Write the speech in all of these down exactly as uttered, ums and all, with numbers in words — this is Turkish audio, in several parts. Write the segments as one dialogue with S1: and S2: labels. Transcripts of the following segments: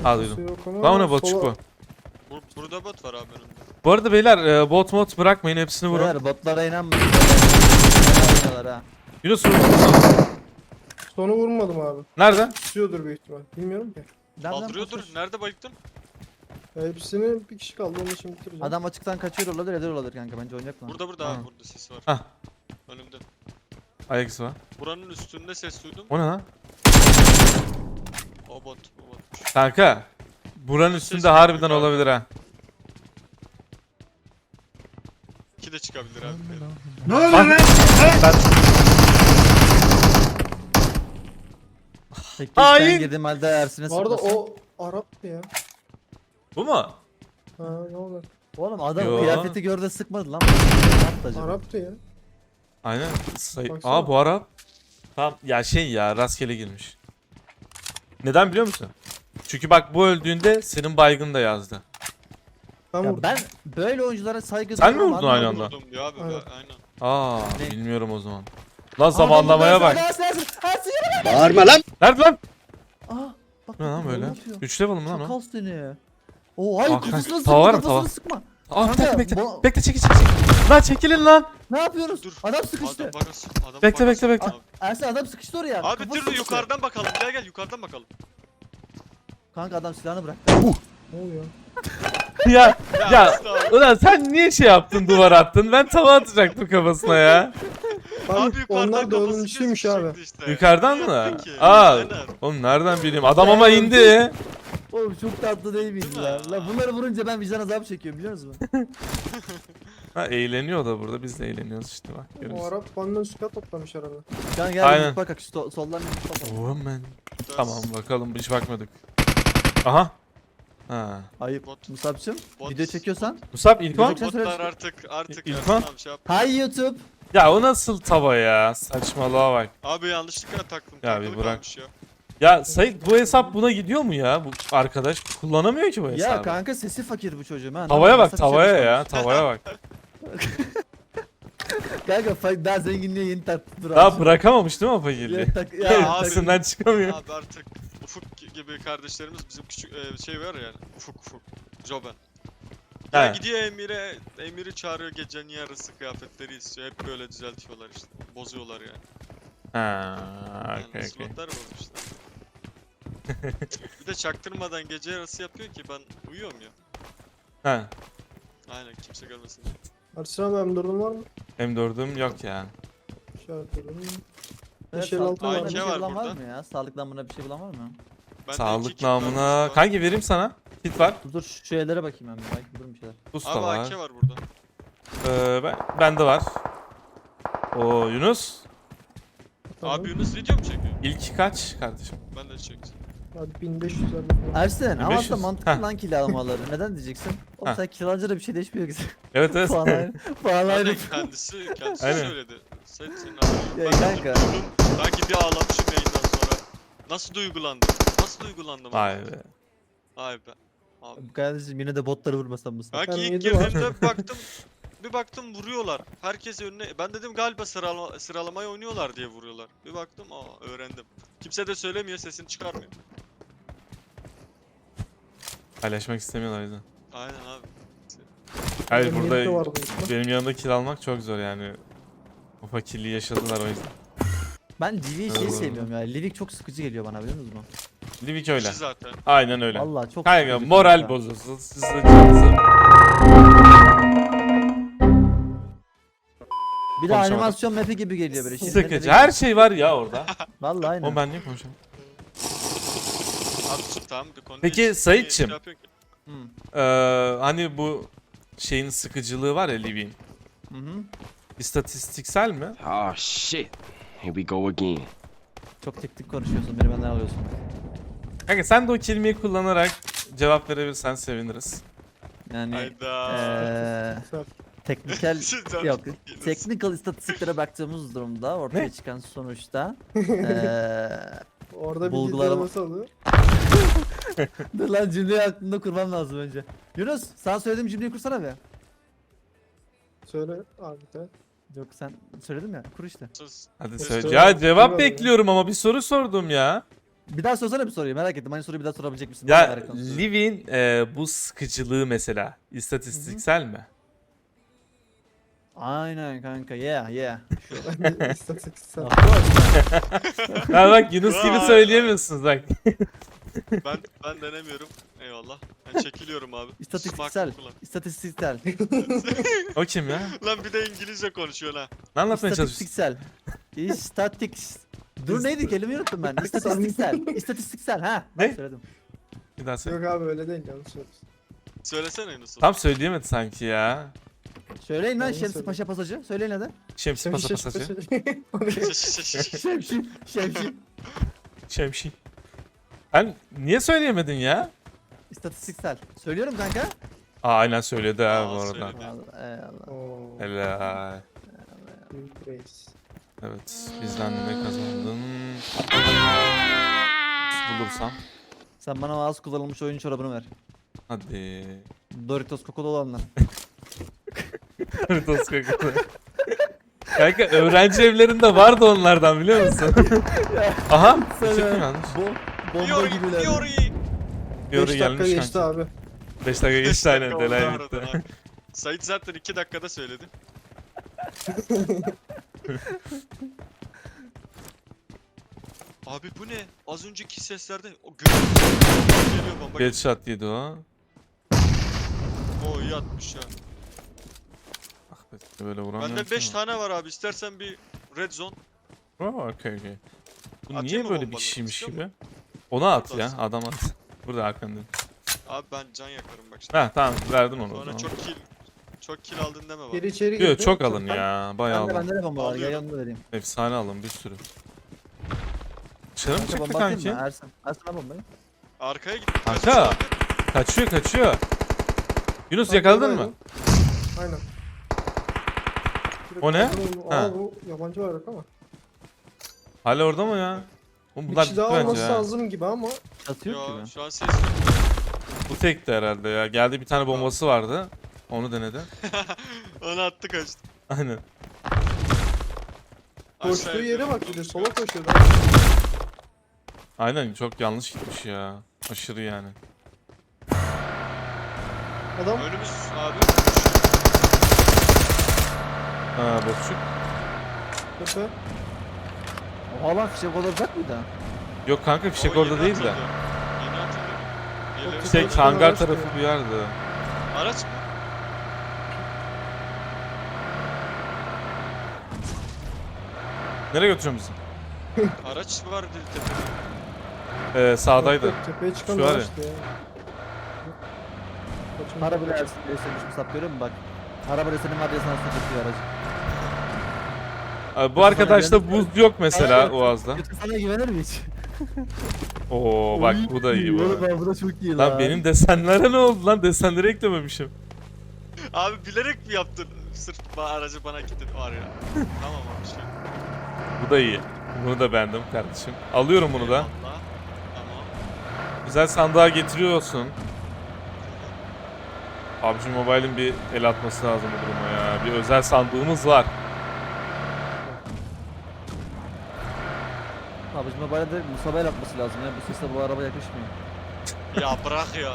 S1: Aa duydum. Lan o ne botçuk bu.
S2: Bur burada bot var abi önümde.
S1: Bu arada beyler e, bot mod bırakmayın, hepsini vurun.
S3: Beyler botlara inanmayın. Botlara ha.
S1: Yunus vur.
S4: Sonu vurmadım abi.
S1: Nerede?
S4: Tutuyordur büyük ihtimal. Bilmiyorum ki.
S3: Nereden
S2: Kaldırıyordur.
S3: basıyorsun?
S2: Nerede bayıktın?
S4: Ya hepsini bir kişi kaldı, onu şimdi bitireceğim.
S3: Adam açıktan kaçıyor olabilir, eder olabilir kanka, bence oynayacak mı?
S2: Burada burada
S1: Ha.
S2: abi, burada sesi var.
S1: Hah.
S2: Önümde.
S1: Ayak izi var.
S2: Buranın üstünde ses duydum.
S1: O ne lan?
S2: O bot, o botmuş.
S1: Kanka. Buranın
S2: Ses
S1: üstünde harbiden
S2: yok abi.
S1: olabilir ha.
S2: İki de çıkabilir abi.
S1: Ne oluyor lan? Ben...
S3: Peki
S1: Hain!
S3: sen girdiğim halde Ersin'e
S4: Bu arada
S3: sıkmasın.
S4: o Arap'tı ya.
S1: Bu mu?
S4: Ha ne olur.
S3: Oğlum adam
S1: Yo.
S3: kıyafeti gördü sıkmadı lan. Ne yaptı acaba?
S4: Arap'tı ya.
S1: Aynen. Say
S4: Baksana.
S1: Aa bu Arap. Tamam ya, şey ya, rastgele girmiş. Neden biliyor musun? Çünkü bak bu öldüğünde senin baygın da yazdı.
S4: Ben
S3: Ya
S4: vurdum.
S3: ben böyle oyunculara saygı
S1: Sen mi
S3: duyuyorum
S1: vurdun
S3: abi.
S1: aynı anda?
S2: Vurdum ya abi.
S4: Evet.
S2: Aynen.
S1: Aa
S3: Ne?
S1: bilmiyorum o zaman. Lan zamanlamaya bak.
S3: Ersin, Ersin, Ersin, yürü.
S5: Bağırma lan.
S1: Nerede lan?
S3: Aa, bak,
S1: Ne lan
S3: bak,
S1: böyle?
S3: ne yapıyor?
S1: üç level mi lan o?
S3: Çakal seni. Oo hayır,
S1: Aa,
S3: kafasına
S1: kanka,
S3: sıkma,
S1: tava var mı,
S3: kafasına
S1: tava?
S3: sıkma.
S1: Aa
S3: Kanka,
S1: bekle bekle.
S3: bu-
S1: Bekle çekil çekil. çekil. Lan çekilin lan.
S3: Ne yapıyoruz?
S2: Dur.
S3: Adam sıkıştı.
S2: Adam bakasın. Adam
S1: Bekle,
S2: bakasın.
S1: bekle, bekle.
S2: Abi,
S3: Ersin adam sıkıştı oraya.
S2: abi
S3: Kafası
S2: dur dur
S3: sıkıştı.
S2: yukarıdan bakalım. Gel gel yukarıdan bakalım.
S3: Kanka adam silahını bırak.
S4: Ne oluyor?
S1: ya ya
S2: Asla.
S1: ulan sen niye şey yaptın, duvar attın? Ben tava atacaktım kafasına ya.
S4: Abi,
S2: Abi yukarıdan
S4: onlar
S2: kafası
S4: dördüncüsüymüş abi.
S2: gözükecekti işte.
S1: Yukarıdan
S2: Ne
S1: mı?
S2: yaptın ki?
S1: Aa.
S2: Aynen.
S1: Oğlum nereden bileyim? Adam ama indi.
S3: Oğlum çok tatlı değil miyiz
S2: Değil mi?
S3: ya? Lan bunları vurunca ben vicdan azabı çekiyorum, biliyor musun?
S1: Ha eğleniyor da burada, biz de eğleniyoruz işte bak.
S4: O
S1: Görüyorsun.
S4: Arap benden süper toplamış herhalde.
S3: Kanka gel
S1: Aynen.
S3: bir bak bak şu sol- soldan bir bakalım.
S1: Oğlum ben.
S2: Ders.
S1: Tamam bakalım, hiç bakmadık. Aha. Ha.
S3: Ayıp.
S2: Bot.
S3: Musab'cığım
S2: Bot.
S3: video çekiyorsan.
S1: Musab ilk on.
S3: Görecek- Sen söyle.
S2: Botlar artık artık
S1: İlk
S2: Ersin
S1: lan.
S2: abi şey yap.
S3: Hi YouTube.
S1: Ya o nasıl tava ya? Saçmalığa bak.
S2: Abi yanlışlıkla taktım.
S1: Ya
S2: takılı
S1: bir bırak.
S2: kalmış Ya.
S1: Ya Sait, bu hesap buna gidiyor mu ya? Bu arkadaş kullanamıyor ki bu hesabı.
S3: Ya kanka sesi fakir bu çocuğum ha.
S1: Tavaya bak,
S3: Nasıl bir şey
S1: tavaya
S3: yapmış?
S1: ya, tavaya bak.
S3: Kanka fa- daha zenginliğe yeni taktı. Dur
S1: Daha
S3: abi.
S1: bırakamamış değil mi o fakirliği?
S3: Ya, tak-
S2: Ya
S3: ya,
S2: abi.
S3: tak-
S1: Üstünden çıkamıyor.
S2: Abi artık Ufuk gibi kardeşlerimiz bizim küçük e, şey var yani. Ufuk Ufuk. Joben. Ya
S1: He.
S2: gidiyor Emir'e, Emir'i çağırıyor gecenin yarısı kıyafetleri istiyor. Hep böyle düzeltiyorlar işte. Bozuyorlar yani.
S1: Ha,
S2: Yani
S1: okey okey.
S2: slotlar bozmuşlar. Bir de çaktırmadan gece yarısı yapıyor ki ben uyuyorum ya.
S1: Ha,
S2: Aynen kimse görmesin.
S4: Ersin abi M dördün var mı?
S1: M dördüm yok yani.
S4: İşaretledim.
S3: Evet,
S4: beş elli altı
S3: sağlık
S4: var.
S3: namına bir şey
S2: var
S3: bulan var
S2: burada.
S3: mı ya? Sağlık namına bir şey bulan var mı?
S2: Bende iki
S1: Sağlık
S2: kit var,
S1: namına.
S2: boost var.
S1: Kanki vereyim sana. Kit var.
S3: Dur dur şu şeylere bakayım ben bir, belki bulurum bir şeyler.
S1: Boost da
S2: Abi
S1: var.
S2: A K var burada.
S1: Ee, ben, bende var. O Yunus.
S4: Tamam.
S2: Abi Yunus video mu çekiyor?
S1: İlki kaç kardeşim?
S2: Ben de çektim.
S4: Hadi bin beş yüz lira.
S3: Ersin ama
S1: beş
S3: aslında
S1: yüz.
S3: mantıklı
S1: Heh.
S3: lan kiralamaları. Neden diyeceksin? Oğlum
S1: Heh.
S3: sen kiralınca da bir şey değişmiyor ki.
S1: Evet evet.
S3: Puan ayrı. Puan ayrı.
S2: Aynen kendisi, kendisi
S1: Aynen.
S2: söyledi. Sen senin abi.
S3: Ya
S2: Ben
S3: kanka.
S2: duydum. Sanki bir ağlamışım yayından sonra. Nasıl duygulandım? Nasıl duygulandım?
S1: Vay
S2: abi?
S1: be.
S2: Vay be. Abi.
S3: Kardeşim yine de botları vurmasam mısın?
S2: Belki
S4: Ben
S2: ilk
S4: yedi var.
S2: girdiğimde bir baktım bir baktım vuruyorlar. Herkes önüne. Ben dedim galiba sıralama, sıralamayı oynuyorlar diye vuruyorlar. Bir baktım aa öğrendim. Kimse de söylemiyor, sesini çıkarmıyor.
S1: Paylaşmak istemiyorlar o yüzden.
S2: Aynen abi.
S1: Hayır
S4: Benim
S1: burada
S4: yedide vardı işte.
S1: benim yanımda kill almak çok zor yani. O fakirliği yaşadılar o yüzden.
S3: Ben Livik'i şeyi
S1: Evet.
S3: sevmiyorum ya. Livik çok sıkıcı geliyor bana, biliyor musunuz mu?
S1: Livik öyle.
S2: Kişi zaten.
S1: Aynen öyle.
S3: Vallahi çok
S1: Kanka
S3: sıkıcı
S1: moral
S3: kanka.
S1: bozuyorsun. Siz de canınızı-
S3: Bir de
S1: Konuşamadım.
S3: animasyon map'i gibi geliyor böyle. şirket
S1: Sıkıcı.
S3: map'i
S1: Her
S3: gibi.
S1: şey var ya orada.
S3: Vallahi aynen.
S1: O ben niye konuşuyorum?
S2: Abi sus, tamam bir konu
S1: Peki,
S2: değil.
S1: Saitçim.
S2: Şey yapıyorsun ki.
S3: Hı.
S1: Ee, hani bu şeyin sıkıcılığı var ya Livik'in.
S3: Hı hı.
S1: İstatistiksel mi?
S5: Oh shit. Here we go again.
S3: Çok teknik konuşuyorsun, beni benden alıyorsun.
S1: Kanka sen de o kelimeyi kullanarak cevap verebilirsen seviniriz.
S3: Yani
S2: Hayda.
S3: eee
S4: Güzel.
S3: teknikel
S2: Sizden
S3: yok,
S2: geliyorsun.
S3: technical istatistiklere baktığımız durumda ortaya
S1: Ne?
S3: çıkan sonuçta eee
S4: Orada bir
S3: Bulgularımı-
S4: video nasıl alıyor?
S3: dur lan, cümleyi aklımda kurmam lazım önce. Yunus, sana söylediğim cümleyi kursana be.
S4: Söyle abi de.
S3: Yok sen söyledim ya, kur işte.
S2: Sus.
S1: Hadi
S2: Söyle.
S1: söyle. Ya cevap
S4: Söyle.
S1: bekliyorum ama bir soru sordum ya.
S3: Bir daha sorsana bir soruyu merak ettim. Aynı soruyu bir daha sorabilecek misin?
S1: Ya
S3: Merak ettim.
S1: Liv'in e, bu sıkıcılığı mesela istatistiksel mi?
S3: Aynen kanka yeah yeah.
S4: Ben de istatistiksel.
S1: Ha bak Yunus gibi
S2: Vay.
S1: söyleyemiyorsunuz bak.
S2: Ben ben denemiyorum. Eyvallah. Ben çekiliyorum abi.
S3: İstatistiksel.
S2: Susmak kullan.
S3: İstatistiksel.
S1: O kim ya?
S2: Lan bir de İngilizce konuşuyor ha.
S1: Ne anlatmaya çalışıyorsun?
S3: İstatistiksel. İstatiks. Dur neydi kelimeyi unuttum ben. İstatistiksel. İstatistiksel ha. Ben
S1: Ne?
S3: söyledim.
S1: Bir daha söyle.
S4: Yok abi öyle değil yanlış söylüyorsun.
S2: Söylesene Yunus.
S1: Tam söyleyemedi sanki ya.
S3: Söyleyin lan
S4: Ben
S3: Şemsi
S4: söyledim.
S3: Paşa pasajı. Söyleyin hadi.
S1: Şemsi pasa
S4: Şaşı
S1: pasacı.
S4: şaşı.
S3: Şemsi. Şemsi.
S1: Şemşi. Ben niye söyleyemedin ya?
S3: İstatistiksel. Söylüyorum kanka.
S1: Aa aynen söyledi ha
S2: Aa,
S1: bu arada.
S2: söyledi.
S3: Eyvallah, eyvallah.
S4: Oo,
S1: Helal.
S4: büyük reis.
S1: Evet bizden ne kazandın? Bulursam.
S3: Sen bana az kullanılmış oyun çorabını ver.
S1: Hadi.
S3: Doritos kokulu olanlar.
S1: Doritos kokalı. Kanka öğrenci evlerinde vardı onlardan biliyor musun? Aha. Çıktı yanlış.
S3: Bu bomba
S2: Fiori,
S3: gibiler.
S2: Fiori.
S1: Fiori
S4: beş dakika
S1: gelmiş
S4: geçti
S1: kanka.
S4: abi.
S1: beş dakika geçti aynen.
S2: Oldu
S1: Delay
S2: aradan
S1: bitti.
S2: abi. Sait zaten iki dakikada söyledi. Abi bu ne? Az önceki seslerde o gö- geliyor bomba.
S1: Headshot yedi o.
S2: O iyi atmış ya.
S1: Ah be böyle vuramıyorum.
S2: Bende beş
S1: ki
S2: tane var abi. İstersen bir red zone.
S1: ama. Oo okey okey. Bu
S2: Atayım
S1: niye
S2: mı
S1: böyle bir
S2: bombaları?
S1: şeymiş
S2: İstiyor
S1: gibi? Ona at ya
S2: Atarsın.
S1: adam at. Burada arkanda.
S2: Abi ben can yakarım bak şimdi.
S1: Ha tamam verdin onu o
S2: Sonra
S1: zaman.
S2: çok kill çok kill aldın deme bak.
S4: Geri içeri girdi.
S1: Yok çok alın ya. Bayağı
S3: Bende
S1: alın.
S3: bende de bomba var. Gel
S2: Alıyorum.
S3: yanına vereyim.
S1: Efsane alın bir sürü. Dışarı mı
S3: Kanka
S1: çıktı
S3: bomba atayım mı?
S1: kanki?
S3: Ersin. Ersin al bombayı.
S2: Arkaya git.
S1: Kanka. Kaçıyor kaçıyor. Yunus
S4: Tam
S1: yakaladın mı?
S4: buradaydı. Aynen.
S1: O ne?
S4: Aa
S1: Ha.
S4: bu yabancı bayrak ama.
S1: Hala orada mı ya? Oğlum
S4: Bir
S1: bunlar
S4: kişi
S1: gitti
S4: daha
S1: bence
S4: olması
S1: ya.
S4: lazım gibi ama.
S3: Çatı yok
S2: Yo
S3: gibi.
S2: şu an ses yok.
S1: Bu tekti herhalde ya. Geldi bir tane bombası vardı. Onu denedi.
S2: Onu attı kaçtı.
S1: Aynen.
S4: Koştuğu
S2: Aşağıya
S4: yere
S2: gidiyorum,
S4: bak bir de
S2: konuşuyor.
S4: sola koşuyor.
S1: Aynen çok yanlış gitmiş ya. Aşırı yani.
S4: Adam
S2: Önümüz abi.
S1: Ha bozçuk.
S4: tepe.
S3: Oha lan fişek olacak mıydı?
S1: Yok kanka fişek
S2: O
S1: orada
S2: yeni
S1: değil de.
S2: atıldı. Yeni atıldı. Geliyor.
S1: Şey
S4: Araç
S1: hangar
S4: araç
S1: tarafı
S4: diyor.
S1: bir yerde.
S2: Araç mı?
S1: Nereye götürüyorsun bizi?
S2: Araç var dedi tepede.
S1: Ee, sağdaydı.
S4: Yok, yok, Tepeye çıkan
S1: Şu var ya.
S4: araçtı ya. Kaçın-
S3: Para bile Ersin diye söylemiş sap görüyor musun bak. Araba senin var diye sana sıkıntıyor aracı.
S1: Abi, bu arkadaşta buz yok mesela
S3: Aynen.
S1: Oğaz'da.
S3: Kötü sana güvenir mi hiç?
S1: Oo bak bu da iyi bu.
S3: Oğlum
S1: arada.
S3: ben bu da çok iyi lan.
S1: Lan benim desenlere ne oldu lan? Desenleri eklememişim.
S2: Abi bilerek mi yaptın? Sırf ba- aracı bana gittin var ya. Tamam abi şey.
S1: Bu da iyi. Bunu da beğendim kardeşim. Alıyorum bunu da.
S2: Eyvallah. Tamam.
S1: Güzel sandığa getiriyorsun. P U B G Mobile'in bir el atması lazım bu duruma ya. Bir özel sandığımız var.
S3: Abi şimdi Mobile'de musabel atması lazım ya. Bu sesle bu araba yakışmıyor.
S2: Ya bırak ya.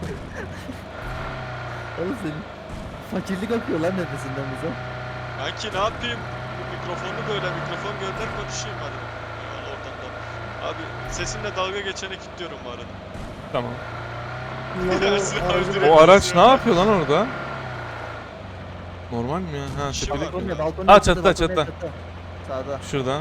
S3: Oğlum senin fakirlik akıyor lan nefesinden bize.
S2: Kanki ne yapayım? Bu mikrofonu böyle mikrofon gönder konuşayım hadi. Eyvallah oradan da. Abi sesimle dalga geçene kilitliyorum bu arada.
S1: Tamam.
S4: Bunlar
S2: Dersin,
S4: o aracı-
S2: öldürelim.
S1: O araç ne yapıyor lan orada? Normal mi ya? Ha
S2: İşi
S1: tepede.
S2: var.
S3: Balkonda, balkonda.
S1: Aa,
S3: yaptı,
S1: çatıda,
S3: balkonda
S1: çatıda.
S3: yaptı. Sağda.
S1: Şurada.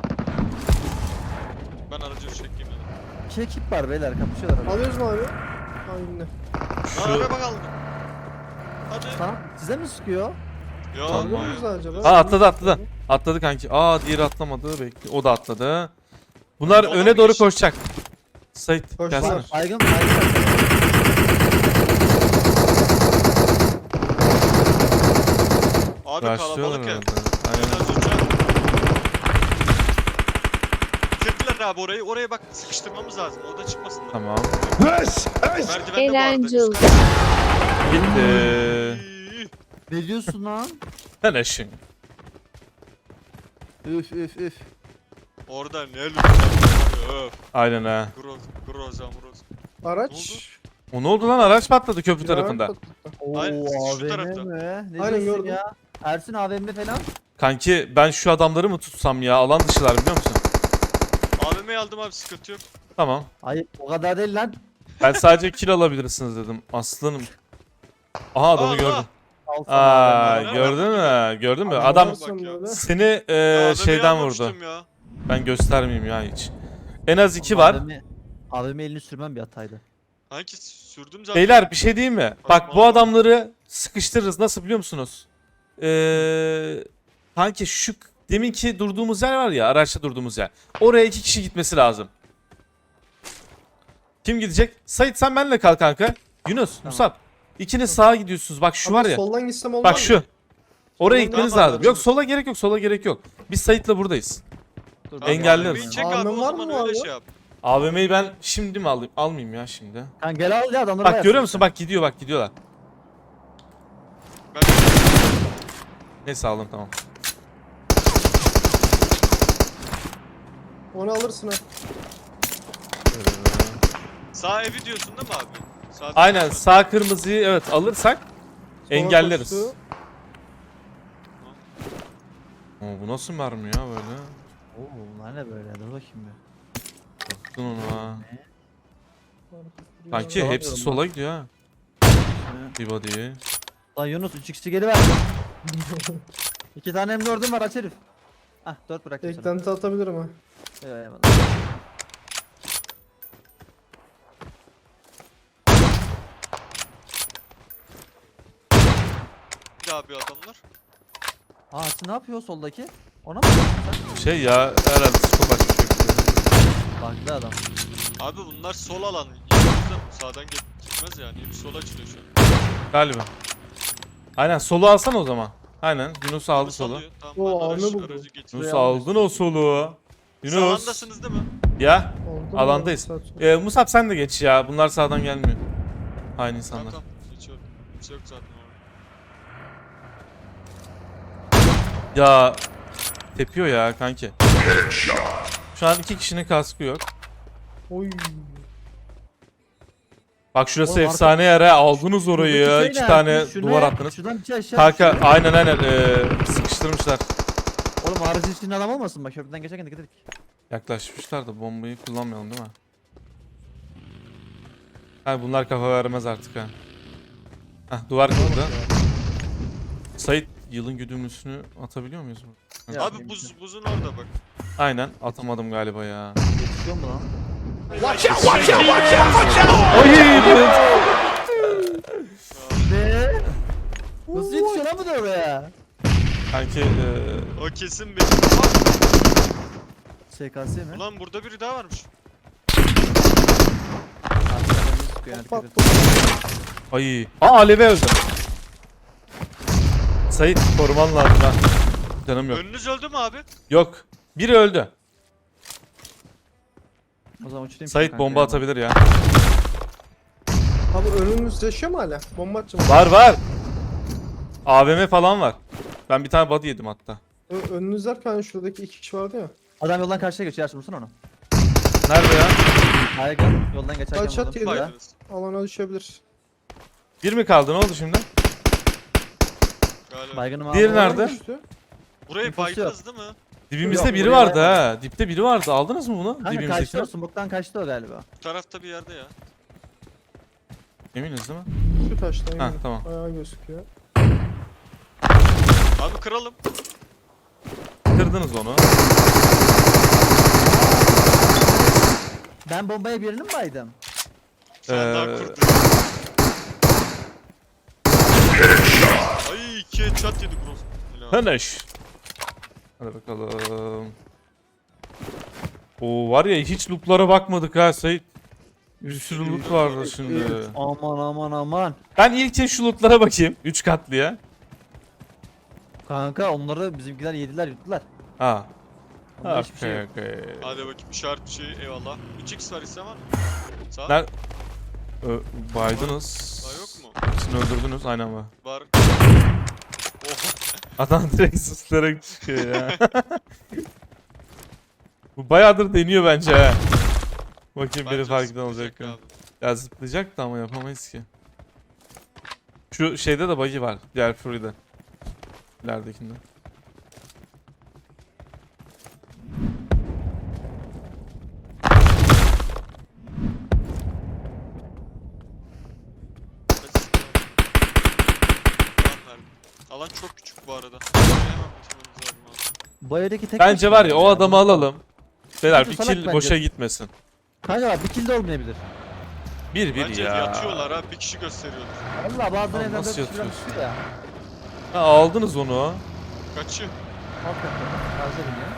S2: Ben aracı çekeyim dedim.
S3: İki ekip var beyler kapışıyorlar. Abi.
S4: Alıyoruz mu abi? Aynen.
S2: Lan
S1: Şu
S2: araba kaldı. Hadi.
S3: Sana size mi sıkıyor?
S2: Ya
S1: Tamam.
S4: Alıyor
S2: abi.
S4: muyuz acaba?
S1: Aa atladı atladı. Atladı kanki. Aa diğeri atlamadı. Bekle. O da atladı. Bunlar
S2: Yola
S1: öne
S2: mı
S1: doğru
S2: geçti?
S1: koşacak. Sait
S4: Koştular.
S1: gelsene.
S3: Baygın baygın.
S2: Abi
S1: Başlıyorlar
S2: kalabalık ya.
S1: herhalde.
S2: Ben
S1: Aynen.
S2: az önce... Bitirdiler abi orayı. Oraya bak sıkıştırmamız lazım. Orada çıkmasınlar.
S1: Tamam.
S2: Merdivende bu arada.
S6: Erencil.
S1: Gitti.
S2: İyi.
S3: Ne diyorsun lan?
S1: Sen eşin.
S3: Üf üf üf.
S2: Orada ne lütfen. Öf.
S1: Aynen ha.
S2: Groz. Groza groz.
S4: Araç.
S1: O ne oldu lan, araç patladı köprü
S4: Bir
S1: tarafında.
S4: araç patladı.
S3: Oo
S2: Aynen, şu
S3: A V M
S2: tarafta.
S3: mi? Ne
S4: Aynen,
S3: diyorsun
S4: gördüm.
S3: ya? Ersin A V M falan.
S1: Kanki ben şu adamları mı tutsam ya, alan dışılar biliyor musun?
S2: A V M'yi aldım abi, sıkıntı yok.
S1: Tamam.
S3: Hayır o kadar değil lan.
S1: Ben sadece kill alabilirsiniz dedim aslanım. Aha adamı
S2: Allah!
S1: gördüm.
S3: Al sana
S1: Aa
S3: A V M.
S1: gördün mü? Gördün mü?
S4: Adam
S1: Adam
S4: varsa
S2: Bak ya.
S4: böyle.
S1: seni e,
S2: A V M'yi
S1: şeyden vurdu.
S2: almamıştım ya.
S1: Ben göstermeyeyim ya hiç. En az iki
S3: Oğlum,
S1: var.
S3: A V M A V M elini sürmem bir hataydı.
S2: Hangi sürdüm zaten.
S1: Beyler bir şey diyeyim mi? Bak bu
S2: vallahi.
S1: adamları sıkıştırırız. Nasıl biliyor musunuz? Ee, kanki şu deminki durduğumuz yer var ya, araçta durduğumuz yer. Oraya iki kişi gitmesi lazım. Kim gidecek? Sait sen benimle kal kanka. Yunus, Musab. İkiniz sağa gidiyorsunuz. Bak şu
S4: Ama
S1: var ya.
S4: soldan gitsem olmaz
S1: Bak
S4: mı?
S1: şu. Oraya
S4: Soldan
S1: gitmeniz
S2: devam
S1: lazım.
S2: edelim.
S1: Yok sola gerek yok, sola gerek yok. Biz Sait'le buradayız.
S3: Dur,
S2: Tamam,
S1: Engelleriz.
S2: A V M'yi çek
S4: A V M
S2: abi, o
S4: var
S2: zaman
S4: mı
S2: öyle
S4: abi?
S2: şey yap.
S1: A V M'yi ben şimdi mi alayım? Almayayım ya şimdi.
S3: Kanka gel al ya adamları
S1: Bak
S3: bayağı
S1: görüyor
S3: sür.
S1: musun? Bak gidiyor, bak gidiyorlar.
S2: Ben
S1: Neyse aldım tamam.
S4: Onu alırsın ha.
S2: sağ evi diyorsun değil mi abi? Sağ
S1: Aynen
S2: tarafı.
S1: sağ kırmızıyı evet alırsak
S4: Sola
S1: engelleriz.
S4: koştu.
S1: Oo, bu nasıl mermi ya böyle?
S3: Oo bunlar ne böyle? Dur bakayım bir.
S1: Baktın onu ha. Kanki
S3: Sola
S1: hepsi
S3: diyorum
S1: sola gidiyor ha.
S3: Hı.
S1: Bir body.
S3: Lan Yunus üç x'i geri ver. İki tane M dördüm var aç herif. Hah dört bıraktım sana.
S4: Eklenti atabilirim ha.
S3: Eyvallah.
S2: Bir daha bir adamlar.
S3: Aa Ersin ne yapıyor soldaki? Ona mı bakıyorsun sen?
S1: Şey ya herhalde skop açmış.
S3: Farklı adam.
S2: Abi bunlar sol alan. Yalnız sağdan git- gitmez yani. Hep sola açılıyor şu an.
S1: Galiba. Aynen solu alsan o zaman. Aynen Yunus aldı
S2: Yunus
S1: solu.
S2: alıyor. Tamam,
S4: Oo,
S2: ben
S4: avni
S2: aracı,
S4: buldu.
S2: aracı getiriyorum.
S1: Yunus aldın o solu. Yunus.
S2: Sağlandasınız değil mi?
S1: Ya
S4: Oldu mu?
S1: alandayız.
S4: Saat sonra.
S1: Ee, Musab sen de geç ya. Bunlar sağdan gelmiyor. Aynı insanlar.
S2: Tamam tamam. Geçiyorum. Kimse yok zaten orada.
S1: Ya tepiyor ya kanki. Şu an iki kişinin kaskı yok.
S4: Oy.
S1: Bak şurası
S3: Oğlum,
S1: efsane yere aldınız orayı
S3: Şuradaki
S1: ya.
S3: şey
S1: İki
S3: ne
S1: tane
S3: Ersin? Şunu
S1: duvar
S3: yap,
S1: attınız.
S3: Şuradan bir şey aşağı
S1: Kanka
S3: düşüyor.
S1: aynen aynen ee, sıkıştırmışlar.
S3: Oğlum aracın içinde adam olmasın bak köprüden geçerken dikkat et.
S1: Yaklaşmışlar da bombayı kullanmayalım değil mi? Ha bunlar kafa vermez artık ha. Heh duvar kırıldı. Sait yılın güdümlüsünü atabiliyor muyuz? bu?
S3: Ya,
S2: Abi buz, buzun orada bak.
S1: Aynen atamadım galiba ya.
S3: Yetişiyor mu lan? Ne? Nasıl yetişiyor lan bu da oraya?
S1: Kanki ee,
S2: O kesin benim. Aa,
S3: S K S mi?
S2: ulan burada biri daha varmış.
S3: Arkadan bir sıkıyor yani,
S4: Bak
S3: dikkat et.
S1: ay. Aa Alev'e öldüm. Sait koruman lazım ha. Canım yok.
S2: Önünüz öldü mü abi?
S1: Yok. Biri öldü.
S3: O zaman uçurayım.
S1: Sait bomba atabilir ya.
S4: Abi önümüz yaşıyor mu hala? Bomba atacağım.
S1: Var var. A V M falan var. Ben bir tane body yedim hatta.
S4: Ö- önünüz derken şuradaki iki kişi vardı ya.
S3: Adam yoldan karşıya geçiyor Ersin vursana onu.
S1: Nerede ya?
S3: Hayır gel yoldan geçerken
S4: Kaç at
S3: vurdum.
S4: yedi?
S3: Ya.
S2: Baydınız.
S4: Alana düşebilir.
S1: Bir mi kaldı? Ne oldu şimdi?
S2: Galiba.
S3: Baygınım abi.
S1: Diğeri
S3: Oraya
S1: nerede?
S3: düştü.
S4: Düştü.
S2: Burayı
S3: Nüfus yok.
S2: baydınız değil mi?
S1: Dibimizde
S3: Yok,
S1: biri
S3: buraya
S1: vardı
S3: bayağı-
S1: ha. Dipte biri vardı. Aldınız mı bunu?
S3: Kanka kaçtı o
S1: Dibimizdekini.
S3: smoke'tan kaçtı o galiba.
S2: Bu tarafta bir yerde ya.
S1: Eminiz değil mi?
S4: Şu taştan
S1: Ha
S4: yani.
S1: tamam.
S4: Ayağı gözüküyor.
S2: Abi kıralım.
S1: Kırdınız onu.
S3: Ben bombaya birini mi baydım?
S2: Sen daha
S1: Ee,
S2: kurdu. Ay iki headshot yedi bro. Helal.
S1: Finish. Hadi bakalım. Oo var ya hiç lootlara bakmadık ha Sait. Bir sürü loot vardı şimdi.
S3: Aman aman aman.
S1: Ben ilk şu lootlara bakayım. Üç katlıya.
S3: Kanka onları bizimkiler yediler yuttular.
S1: Ha.
S3: Onda hiçbir şey
S1: Okey
S3: yok.
S1: okey.
S2: Hadi bakayım işaret bir şey eyvallah. üç x var ise var mı? Sağ.
S1: Ner Ö baydınız.
S2: Daha yok mu?
S1: Hepsini öldürdünüz aynen var.
S2: Var. Oh.
S1: Adam direkt suslayarak çıkıyor ya. Bu bayağıdır deniyor bence ha. Bakayım biri
S2: Bence
S1: fark eden olacak
S2: zıplayacak
S1: mı?
S2: abi.
S1: Ya zıplayacak da ama yapamayız ki. Şu şeyde de buggy var. Diğer Fury'de. İleridekinde.
S2: Alan çok küçük bu arada. Hemen bitirmemiz lazım abi.
S3: Bu evdeki tek
S1: Bence
S3: başına
S1: var ya o
S3: ya.
S1: adamı alalım. Beyler
S3: Bence
S1: bir
S3: salak
S1: kill
S3: bence.
S1: boşa gitmesin.
S3: Kanka bak bir kill de olmayabilir.
S1: Bir bir
S2: Bence
S1: ya.
S2: yatıyorlar ha. Bir kişi gösteriyorlar.
S3: Valla bazen
S1: Lan
S3: evden
S1: nasıl
S3: dört kişi falan
S1: yatıyorsun?
S3: çıkıyor ya.
S1: Ha, aldınız onu.
S2: Kaçıyor.
S3: Alt katta. Harcadım ya.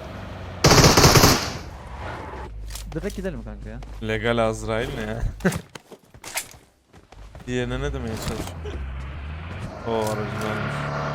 S3: Direkt gidelim kanka ya.
S1: Legal Azrail ne ya? Diğerine ne demeye çalışıyor? O aracı varmış.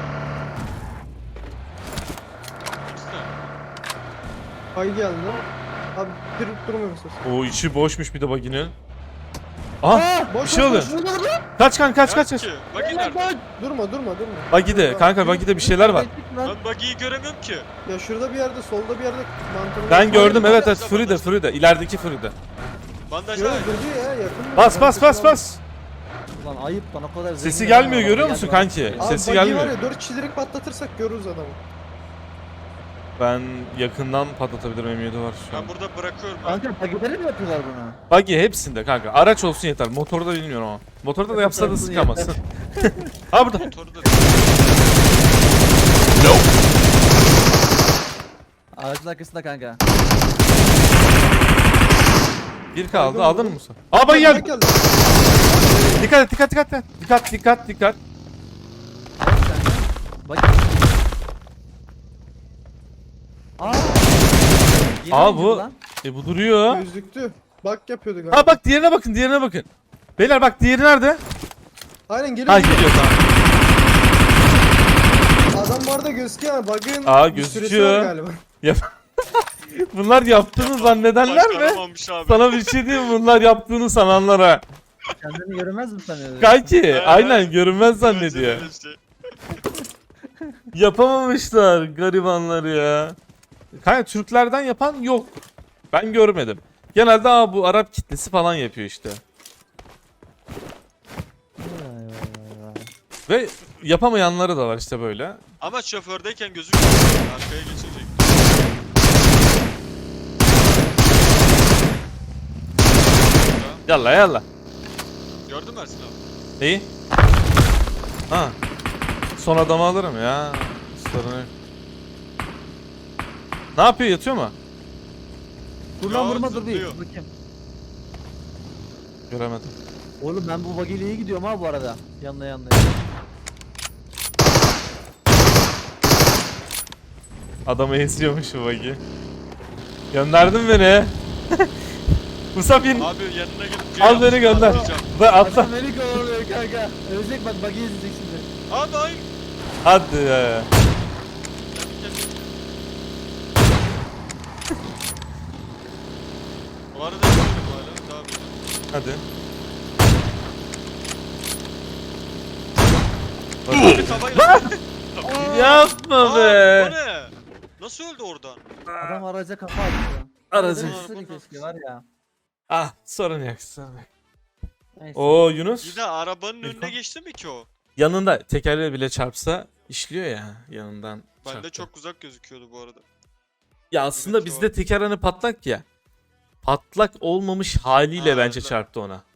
S4: Ay geldi. Abi bir durmuyor musun?
S1: O içi boşmuş bir de buggy'nin. Aha bir
S4: Boş
S1: şey
S4: boş,
S1: oluyor.
S4: boş, boş.
S1: Kaç kan kaç kaç kaç.
S2: Ki. Buggy nerede?
S4: Durma durma durma.
S1: Buggy'de kanka buggy'de bir şeyler var.
S2: Ben buggy'yi göremiyorum ki.
S4: Ya şurada bir yerde, solda bir yerde mantığını...
S1: Ben gördüm evet evet
S2: Bandaj,
S1: Fury'de
S2: bandaj.
S1: Fury'de ilerideki Fury'de.
S2: Bandaj
S4: Yok
S2: var.
S4: durdu ya yakın.
S1: Bas bas bas bas.
S3: Lan ayıp lan o kadar
S1: Sesi
S3: zengin
S1: gelmiyor,
S3: adam
S1: görüyor
S3: geldi
S1: musun
S3: bana.
S1: kanki?
S4: Abi
S1: Sesi
S4: buggy
S1: gelmiyor.
S4: var ya dört kişi direkt patlatırsak görürüz adamı.
S1: Ben yakından patlatabilirim M yedi var şu an.
S2: Ben burada bırakıyorum abi.
S3: Kanka pakeleri mi yapıyorlar bunu?
S1: Buggy hepsinde kanka. Araç olsun yeter. Motorda bilmiyorum ama. Motorda da yapsa da
S3: olsun
S1: sıkamazsın. Ha burada.
S2: Motoru da
S3: Aracın arkasında kanka.
S1: Bir kaldı.
S4: Aldın
S1: Aldın
S4: mı?
S1: mı Musa? Aa buggy
S4: Bak
S1: geldi.
S4: geldi.
S1: Dikkat et dikkat dikkat. Dikkat dikkat dikkat.
S3: Evet kanka. Bak. Aa. Yeni
S1: Aa,
S3: oyuncu
S1: bu-
S3: lan.
S1: E bu duruyor.
S4: Gözlüktü. Bak yapıyordu galiba.
S1: Ha bak diğerine bakın diğerine bakın. Beyler bak diğeri nerede?
S4: Aynen
S1: Ha
S4: geliyor.
S1: gidiyor tamam.
S4: Adam bu arada gözüküyor ama bug'ın
S1: Aa,
S4: bir süresi
S1: gözüküyor.
S4: var galiba.
S1: Bunlar yaptığını zannedenler mi?
S2: başaramamış abi.
S1: Sana bir şey diyeyim mi? Bunlar yaptığını sananlara.
S3: Kendini göremez mi sanıyorsun?
S1: Kanki aynen
S2: evet.
S1: görünmez
S2: Bence
S1: zannediyor.
S2: öyle şey.
S1: Yapamamışlar garibanları ya. Kanka Türklerden yapan yok. Ben görmedim. Genelde aa, bu Arap kitlesi falan yapıyor işte.
S3: Vay vay vay vay.
S1: Ve yapamayanları da var işte böyle.
S2: Ama şofördeyken gözükmüyor. Arkaya geçecek.
S1: Yalla yalla.
S2: Gördün mü Ersin abi?
S1: İyi. Ha. Son adamı alırım ya. Sorun yok. Ne yapıyor yatıyor mu?
S3: Dur lan
S2: Ya,
S3: vurma dur bir.
S2: zıplıyor.
S3: Bakayım.
S1: Göremedim.
S3: Oğlum ben bu buggy'yle iyi gidiyorum ha bu arada. Yanına yanına.
S1: Adamı esiyormuş bu bagi. Gönderdin beni. Musab in.
S2: Abi yanına gidip
S1: Al beni gönder.
S2: Atlayacağım.
S1: Ve atla.
S3: Adam beni kovalıyor kanka. Ölecek bak buggy izleyecek şimdi.
S2: Abi hayır.
S1: Hadi ya.
S2: Kendi kendine. Bu arada yapıyorum hala. Devam edelim.
S1: Hadi.
S2: Bir kafayla.
S1: Yapma
S2: Aa,
S1: be.
S2: o ne? Nasıl öldü oradan?
S3: Adam araca kafa attı.
S1: Aracı.
S3: Aracı keşke var ya.
S1: Ah sorun yok sorun yok.
S3: Neyse.
S1: Oo Yunus.
S2: Yine arabanın
S1: İrfan.
S2: önüne geçti mi ki o?
S1: Yanında tekerleği bile çarpsa işliyor ya yanından.
S2: Bende
S1: çarptı.
S2: çok uzak gözüküyordu bu arada.
S1: Ya aslında
S2: Evet,
S1: bizde teker hani patlak ya. Patlak olmamış haliyle
S2: Ha,
S1: bence
S2: evet.
S1: çarptı ona.